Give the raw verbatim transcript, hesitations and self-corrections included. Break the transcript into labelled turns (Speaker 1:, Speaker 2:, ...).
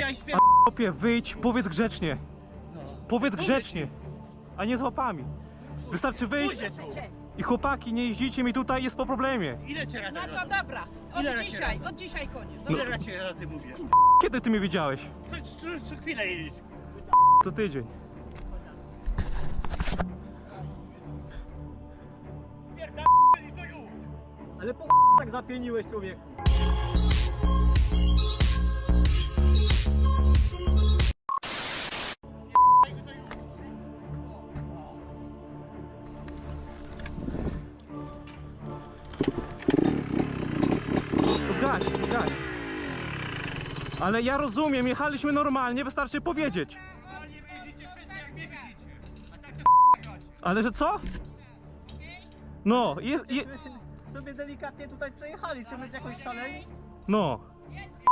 Speaker 1: chciałeś spier...
Speaker 2: Chłopie, wyjdź, powiedz grzecznie.
Speaker 1: No.
Speaker 2: Powiedz grzecznie, a nie z łapami. Wystarczy wyjść
Speaker 1: Pójdę tu.
Speaker 2: i chłopaki, nie jeździcie mi tutaj, jest po problemie.
Speaker 1: Ile cię razy
Speaker 3: No to
Speaker 1: razy?
Speaker 3: dobra,
Speaker 1: Ile
Speaker 3: od
Speaker 1: razy
Speaker 3: dzisiaj,
Speaker 1: razy?
Speaker 3: od dzisiaj koniec.
Speaker 1: Ile razy razy mówię?
Speaker 2: Kiedy ty mnie widziałeś?
Speaker 1: Co, co, co chwilę jedziesz.
Speaker 2: Co tydzień.
Speaker 1: Pierdolę i to już.
Speaker 4: Ale po tak zapieniłeś, człowieku.
Speaker 2: Zgaś, zgaś. Ale ja rozumiem, jechaliśmy normalnie, wystarczy powiedzieć.
Speaker 1: Normalnie wy jeździcie wszyscy jak mnie widzicie. A tak to chodź.
Speaker 2: Ale że co? No, je, je,
Speaker 4: Sobie delikatnie tutaj przejechali, czy być jakoś szaleni?
Speaker 2: no.